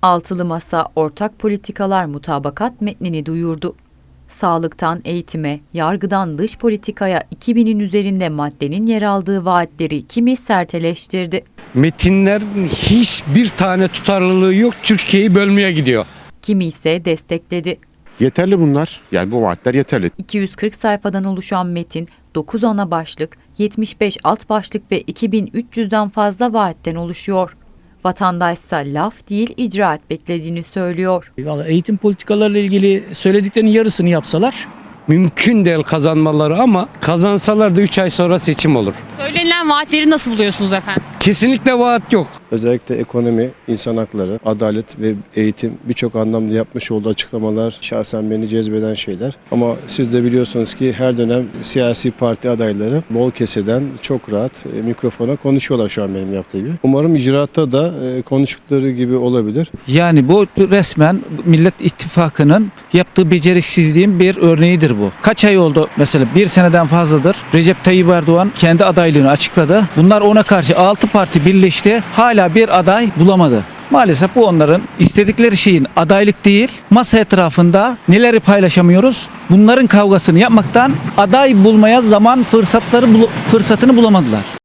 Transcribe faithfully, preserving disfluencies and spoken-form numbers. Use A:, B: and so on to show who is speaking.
A: Altılı Masa ortak politikalar mutabakat metnini duyurdu. Sağlıktan eğitime, yargıdan dış politikaya iki binin üzerinde maddenin yer aldığı vaatleri kimi serteleştirdi.
B: Metinlerin hiçbir tane tutarlılığı yok, Türkiye'yi bölmeye gidiyor.
A: Kimi ise destekledi.
C: Yeterli bunlar. Yani bu vaatler yeterli.
A: iki yüz kırk sayfadan oluşan metin, dokuz ana başlık, yetmiş beş alt başlık ve iki bin üç yüzden fazla vaatten oluşuyor. Vatandaşsa laf değil icraat beklediğini söylüyor.
D: Vallahi eğitim politikalarıyla ilgili söylediklerinin yarısını yapsalar.
B: Mümkün değil kazanmaları ama kazansalar da üç ay sonra seçim olur.
E: Söylenilen vaatleri nasıl buluyorsunuz efendim?
B: Kesinlikle vaat yok.
F: Özellikle ekonomi, insan hakları, adalet ve eğitim birçok anlamda yapmış olduğu açıklamalar şahsen beni cezbeden şeyler. Ama siz de biliyorsunuz ki her dönem siyasi parti adayları bol keseden çok rahat e, mikrofona konuşuyorlar şu an benim yaptığı gibi. Umarım icraatta da e, konuştukları gibi olabilir.
D: Yani bu resmen Millet İttifakı'nın yaptığı beceriksizliğin bir örneğidir bu. Kaç ay oldu mesela, bir seneden fazladır Recep Tayyip Erdoğan kendi adaylığını açıkladı. Bunlar ona karşı altı parti birleşti. Hala bir aday bulamadı. Maalesef bu onların istedikleri şeyin adaylık değil, masa etrafında neleri paylaşamıyoruz? Bunların kavgasını yapmaktan aday bulmaya zaman fırsatları fırsatını bulamadılar.